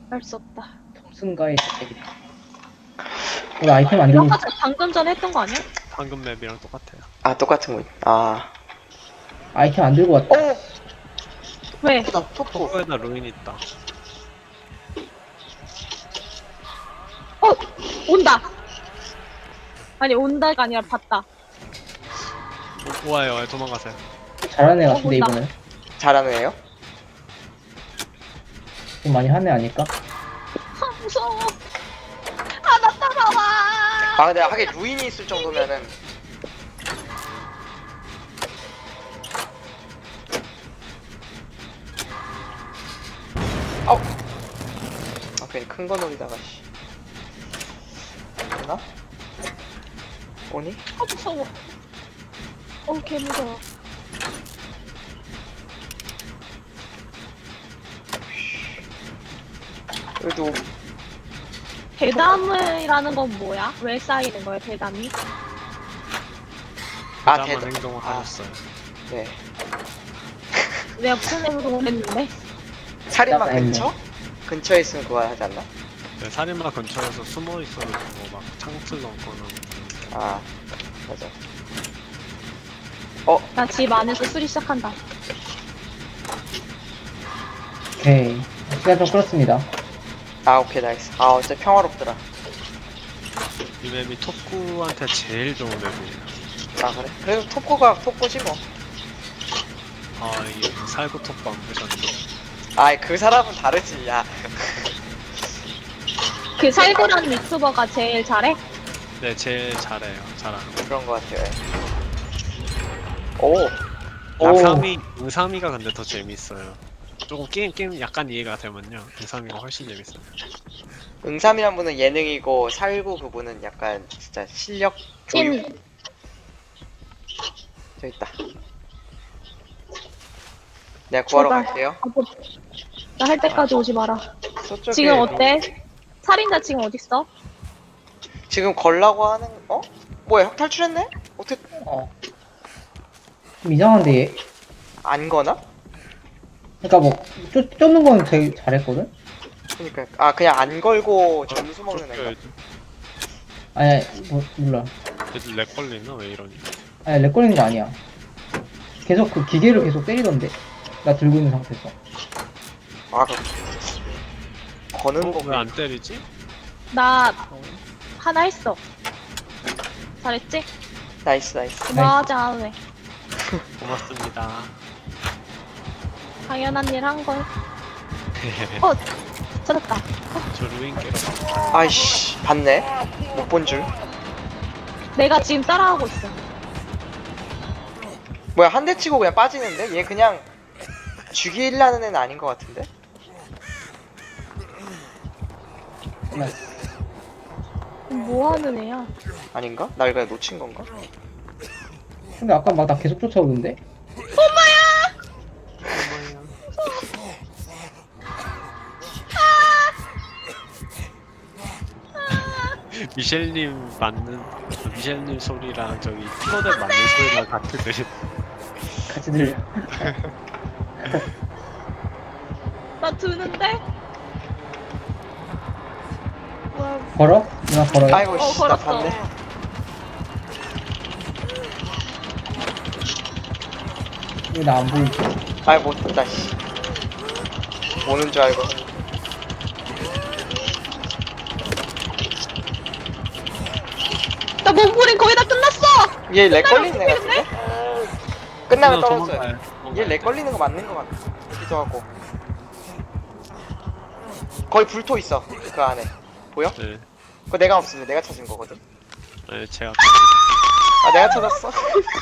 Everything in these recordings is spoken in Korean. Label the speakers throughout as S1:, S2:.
S1: 할 수 없다.
S2: 승가의 대책이다. 우리 아이템 안
S1: 이거
S2: 들고
S1: 아까 방금 전에 했던 거 아니야?
S3: 방금 맵이랑 똑같아요.
S4: 아 똑같은 거. 아.
S2: 아이템 안 들고 왔다.
S4: 오.
S1: 왜?
S4: 토프다 토프.
S3: 토코에다 루인 있다.
S1: 온다! 아니, 온다가 아니라 봤다.
S3: 와요, 도망가세요.
S2: 잘하는 애 같은데
S1: 온다.
S2: 이번엔.
S4: 잘하는 애요?
S2: 좀 많이 하는 애 아닐까?
S1: 아, 무서워. 아, 나 따라와!
S4: 아 근데 하긴 루인이 있을 정도면은. 아우. 아 괜히 큰 거 노리다가 씨. 되나? 오니?
S1: 아, 무서워. 개 무서워.
S4: 그래도
S1: 대담이라는 건 뭐야? 왜 쌓이는 거야, 대담이?
S4: 아
S3: 대담한
S4: 대담.
S3: 행동을
S4: 아.
S3: 하셨어요.
S4: 네.
S1: 내가 무슨 행동을 했는데?
S4: 살인마
S2: 대담
S4: 근처? 근처에 있으면 그거 하지 않나?
S3: 네, 살인마 근처에서 숨어 있어가지고 막 창틀 넘거나.
S4: 아 맞아.
S1: 나 집 안에서 수리 시작한다.
S2: 오케이. 시간 좀 끌었습니다.
S4: 아 오케이 나이스. 아 진짜 평화롭더라.
S3: 이 맵이 톱구한테 제일 좋은 맵이에요.
S4: 아 그래? 그래도 톱고가 톱고지 뭐.
S3: 아, 이게 살구 톱방 보셨네.
S4: 아이 그 사람은 다르지 야.
S1: 그 살구라는 유튜버가 제일 잘해?
S3: 네, 제일 잘해요. 잘하는 거.
S4: 그런 거 같아요. 오.
S3: 응삼이가 근데 더 재밌어요. 조금 게임 약간 이해가 되면요. 응삼이가 훨씬 재밌어요.
S4: 응삼이란 분은 예능이고 살구 그분은 약간 진짜 실력 교육.
S1: 찐.
S4: 저기 있다. 내가 구하러
S1: 제발.
S4: 갈게요.
S1: 나 할 때까지 오지 마라.
S4: 저쪽에
S1: 지금 어때? 살인자 지금 어딨어?
S4: 지금 걸라고 하는 어? 뭐야 형 탈출했네? 어떻게
S2: 어. 좀 이상한데 얘.
S4: 안 거나?
S2: 그러니까 뭐 쫓는 건 되게 잘했거든.
S4: 그니까 아 그냥 안 걸고 점수 먹는 애가.
S3: 쫓겨야지.
S2: 아니 뭐 몰라.
S3: 얘들 렉 걸리나? 왜 이러니?
S2: 아니 렉 걸리는 거 아니야. 계속 그 기계를 계속 때리던데. 나 들고 있는 상태에서.
S4: 아 그 거는 거
S3: 왜 안 때리지?
S1: 나 하나 했어. 잘했지?
S4: 나이스 나이스.
S1: 맞아, 왜?
S3: 고맙습니다.
S1: 당연한 일 한 걸. 찾았다.
S3: 저 루인 깨러 가.
S4: 아이씨 봤네. 못 본 줄.
S1: 내가 지금 따라하고 있어.
S4: 뭐야 한 대 치고 그냥 빠지는데? 얘 그냥 죽이려는 애는 아닌 것 같은데?
S1: 뭐 하는 애야?
S4: 아닌가? 날 그냥 놓친 건가?
S2: 근데 아까 막 나 계속 쫓아오는데.
S3: 미셸님 맞는 미셸님 소리랑 저기 플로덱 맞는 소리랑 같이 들리.
S2: 같이 들려.
S1: 나 드는데? 뭐야?
S2: 걸어? 누나 걸어요?
S4: 아이고 씨 나
S1: 걸었어.
S4: 봤네.
S2: 왜 나 안 보이지?
S4: 아이 못 봤다 씨. 오는 줄 알고.
S1: 나 몸부림 거의 다 끝났어!
S4: 얘 렉 걸리는 애 같은데? 끝나면 떨어져요.
S3: 도망가요.
S4: 얘 렉 걸리는 거 맞는 거 같기도 하고. 거의 불토 있어 그 안에. 보여?
S3: 네,
S4: 그거 내가 없으면 내가 찾은 거거든.
S3: 네 제가
S4: 아 내가 찾았어.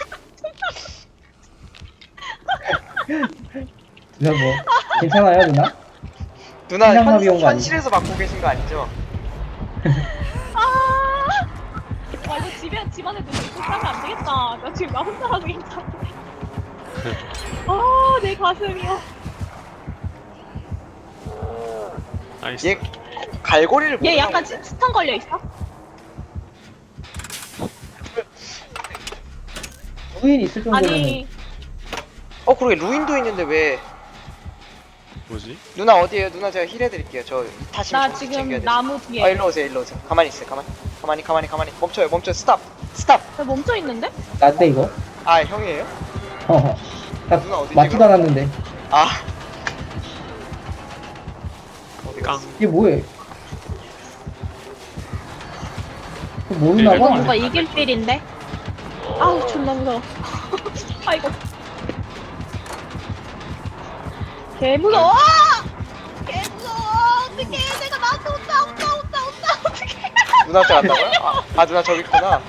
S2: 누나 뭐 괜찮아요 누나?
S4: 누나
S2: 생각나비 온거 아니지?
S4: 현실에서 맡고 계신 거 아니죠?
S1: 와, 이거 집안에 누구 있고 하면 안 되겠다. 나 지금 나 혼자 하고 있다. 아, 내 가슴이야.
S3: 나이스.
S4: 얘 갈고리를
S1: 얘
S4: 못
S1: 약간
S4: 하는데?
S1: 스턴 걸려 있어?
S2: 루인 있을 정도면
S1: 아니,
S4: 그러게 루인도 있는데 왜
S3: 뭐지?
S4: 누나 어디에요? 누나 제가 힐 해드릴게요. 저 타심
S1: 나
S4: 점수
S1: 지금
S4: 챙겨야 돼.
S1: 나무 뒤에.
S4: 일로 오세요, 일로 오세요. 가만히 있어요, 가만히. 멈춰요, 스탑.
S1: 나 멈춰 있는데?
S2: 나한테 이거?
S4: 아, 형이에요?
S2: 나
S4: 누나 어디지,
S2: 맞지도
S4: 그럼?
S2: 않았는데.
S4: 아. 어디
S3: 깡.
S4: 갔어?
S2: 이게 뭐해? 이거 모르나
S1: 이거
S2: 봐.
S1: 뭔가 이길 필인데? 아우 존나 무서워. 아이고. 개 무서워. 개 무서워. 어떡해. 내가 나한테 온다. 어떡해.
S4: 누나한테 간다고요? 아, 누나 저기 있구나.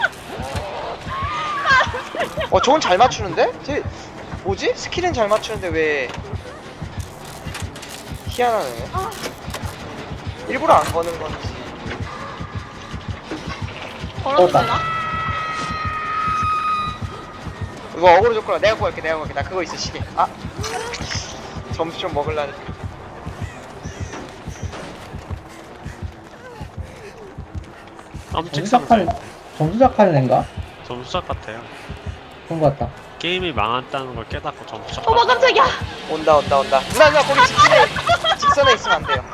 S4: 저건 잘 맞추는데? 쟤 뭐지? 스킬은 잘 맞추는데 왜 희한하네.
S1: 아.
S4: 일부러 안 거는 건지.
S1: 걸어도
S2: 떴다.
S1: 되나?
S4: 이거 어그로 줬구나. 내가 구할게. 나 그거 있어, 시계. 아. 점수 좀 먹으려니까.
S3: 깜찍한데.
S2: 정수작하는 애인가?
S3: 점수작 같아요.
S2: 그런 거 같다.
S3: 게임이 망했다는 걸 깨닫고 점수작.
S1: 어머 깜짝이야.
S4: 온다. 누나 거기 직선에 있으면 안 돼요.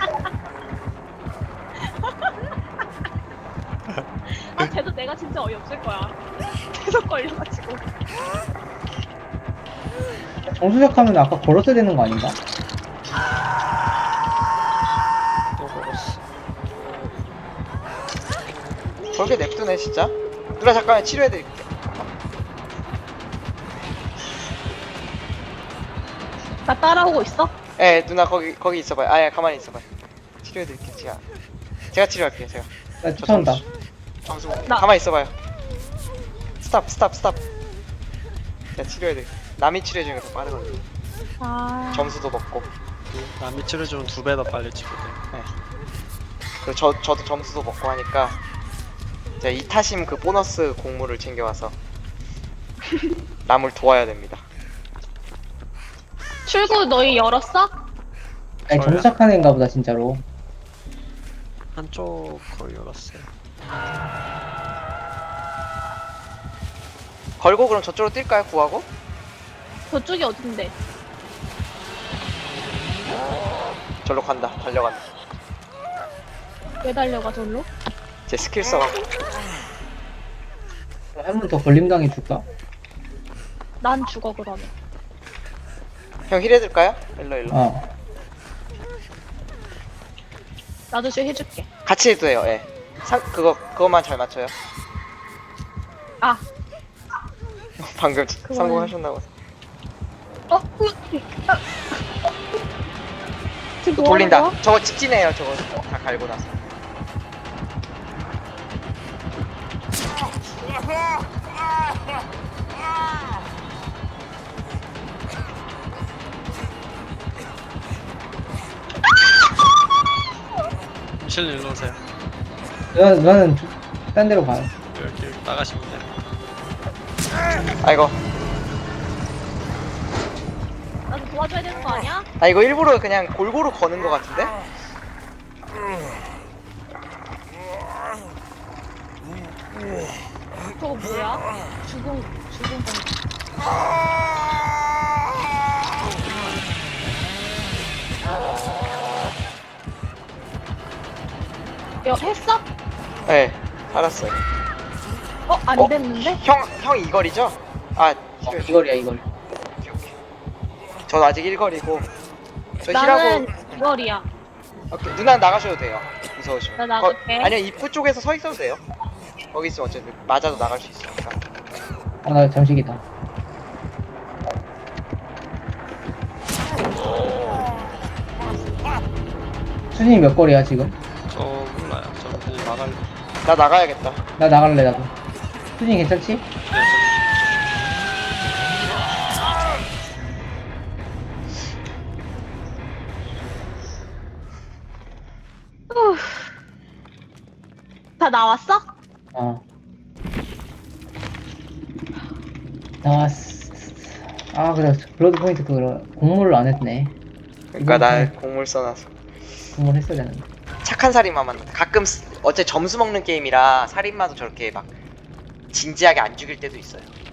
S1: 아 쟤도 내가 진짜 어이없을 거야. 계속 걸려가지고.
S2: 정수작하면 아까 걸었어야 되는 거 아닌가?
S3: 또 걸었어.
S4: 저렇게 냅두네 진짜. 누나 잠깐만 치료해드릴게.
S1: 나 따라오고 있어?
S4: 예, 누나 거기 있어봐요. 아예 가만히 있어봐요. 치료해드릴게요. 제가 치료할게요. 제가.
S2: 나 쫓아온다.
S4: 점수
S1: 나-
S4: 가만히 있어봐요. 스탑. 제가 치료해드릴게요. 남이 치료해주는 게 더 빠르거든요.
S1: 아.
S4: 점수도 먹고.
S3: 남이 치료주면 2배 더 빨리 치거든.
S4: 그리고 저도 점수도 먹고 하니까 제가 이타심 그 보너스 공물을 챙겨와서 남을 도와야 됩니다.
S1: 출구 너희 열었어?
S2: 아니 정수작하는 애인가 보다 진짜로.
S3: 한쪽 거의 열었어요.
S4: 걸고 그럼 저쪽으로 뛸까요? 구하고?
S1: 저쪽이 어딘데?
S4: 절로 간다. 달려간다.
S1: 왜 달려가 절로?
S4: 제 스킬 써갖고.
S2: 한 번 더 걸림당해 줄까?
S1: 난 죽어 그러면.
S4: 형 힐 해줄까요? 일로.
S2: 어.
S1: 나도 좀 해줄게.
S4: 같이 해도 돼요. 예. 그것만 잘 맞춰요.
S1: 아.
S4: 방금
S1: 그거는-
S4: 성공하셨나봐.
S1: 아. 지금 뭐
S4: 돌린다.
S1: 하는 거야?
S4: 저거 직진해요. 저거 다 갈고 나서.
S3: 실리 일로 오세요.
S2: 누나는 딴 데로 가요.
S3: 여기 나가시면 돼요.
S4: 아이고.
S1: 나도 도와줘야 되는 거 아니야?
S4: 아 이거 일부러 그냥 골고루 거는 거 같은데?
S1: 저거 뭐야? 죽은 건. 했어?
S4: 네. 살았어요.
S1: 안
S4: 어?
S1: 됐는데?
S4: 형 이거리죠? 아
S2: 이걸이야 이걸.
S4: 전 아직 1거리고 저
S1: 나는
S4: 힐하고
S1: 이거리야.
S4: 오케이. 누나 나가셔도 돼요. 무서우시면.
S1: 나 나갈게.
S4: 아니요 입구 쪽에서 서 있어도 돼요. 거기 있으면 어쨌든 맞아도 나갈 수 있으니까.
S2: 나 정식이다. 수진이 몇 거리야 지금?
S3: 저 몰라요. 저 이제 나갈래.
S4: 나 나가야겠다.
S2: 나 나갈래 나도. 수진이 괜찮지?
S1: 다 나왔어?
S2: 어. 나왔어. 아 그래 블러드 포인트 그거 공모를 안 했네.
S4: 그러니까 나 공물 써놔서.
S2: 공모를 했어야 되는데.
S4: 착한 살인마만 가끔 어째 점수 먹는 게임이라 살인마도 저렇게 막 진지하게 안 죽일 때도 있어요.